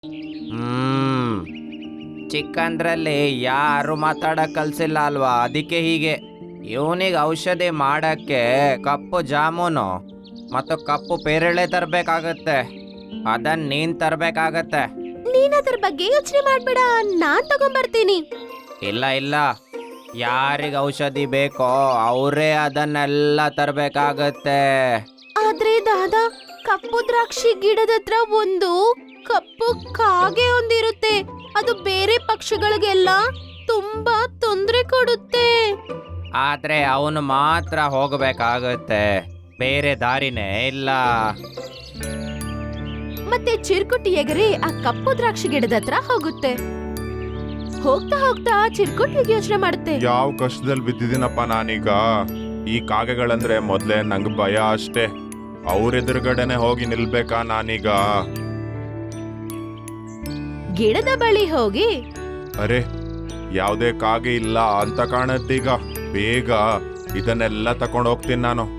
ಹ್ಮ್ ಚಿಕ್ಕಂದ್ರಲ್ಲಿ ಯಾರು ಮಾತಾಡಕ್ ಕಲ್ಸಿಲ್ಲ ಅಲ್ವಾ, ಅದಕ್ಕೆ ಹೀಗೆ. ಇವನಿಗೆ ಔಷಧಿ ಮಾಡಕ್ಕೆ ಕಪ್ಪು ಜಾಮೂನು ಮತ್ತು ಕಪ್ಪು ಪೇರಳೆ ತರಬೇಕಾಗತ್ತೆ. ಅದನ್ನ ನೀನ್ ತರಬೇಕಾಗತ್ತೆ. ನೀನ್ ಅದ್ರ ಬಗ್ಗೆ ಯೋಚನೆ ಮಾಡ್ಬೇಡ, ನಾನ್ ತಗೊಂಡ್ಬರ್ತೀನಿ. ಇಲ್ಲ ಇಲ್ಲ, ಯಾರಿಗೆ ಔಷಧಿ ಬೇಕೋ ಅವರೇ ಅದನ್ನೆಲ್ಲ ತರಬೇಕಾಗತ್ತೆ. ಆದ್ರೆ ದಾದಾ, ಕಪ್ಪು ದ್ರಾಕ್ಷಿ ಗಿಡದ ಹತ್ರ ಒಂದು ಕಪ್ಪು ಕಾಗೆ ಒಂದಿರುತ್ತೆ. ಅದು ಬೇರೆ ಪಕ್ಷಿಗಳಿಗೆಲ್ಲ ತುಂಬಾ ತೊಂದರೆ ಕೊಡುತ್ತೆ. ಆದ್ರೆ ಅವನು ಮಾತ್ರ ಹೋಗಬೇಕಾಗತ್ತೆ, ಬೇರೆ ದಾರಿನೇ ಇಲ್ಲ. ಮತ್ತೆ ಚಿರ್ಕುಟಿ ಎಗರಿ ಆ ಕಪ್ಪು ದ್ರಾಕ್ಷಿ ಗಿಡದ ಹತ್ರ ಹೋಗುತ್ತೆ. ಹೋಗ್ತಾ ಹೋಗ್ತಾ ಚಿರ್ಕುಟಿಗೆ ಯೋಚನೆ ಮಾಡುತ್ತೆ, ಯಾವ ಕಷ್ಟದಲ್ಲಿ ಬಿದ್ದಿದ್ದೀನಪ್ಪ ನಾನೀಗ. ಈ ಕಾಗೆಗಳಂದ್ರೆ ಮೊದ್ಲೇ ನಂಗೆ ಭಯ ಅಷ್ಟೇ. ಅವ್ರೆದುರುಗಡೆನೆ ಹೋಗಿ ನಿಲ್ಬೇಕಾ ನಾನೀಗ? ಗಿಡದ ಬಳಿ ಹೋಗಿ, ಅರೆ, ಯಾವುದೇ ಕಾಗೆ ಇಲ್ಲ ಅಂತ ಕಾಣತ್ತೀಗ. ಬೇಗ ಇದನ್ನೆಲ್ಲ ತಕೊಂಡು ಹೋಗ್ತೀನಿ ನಾನು.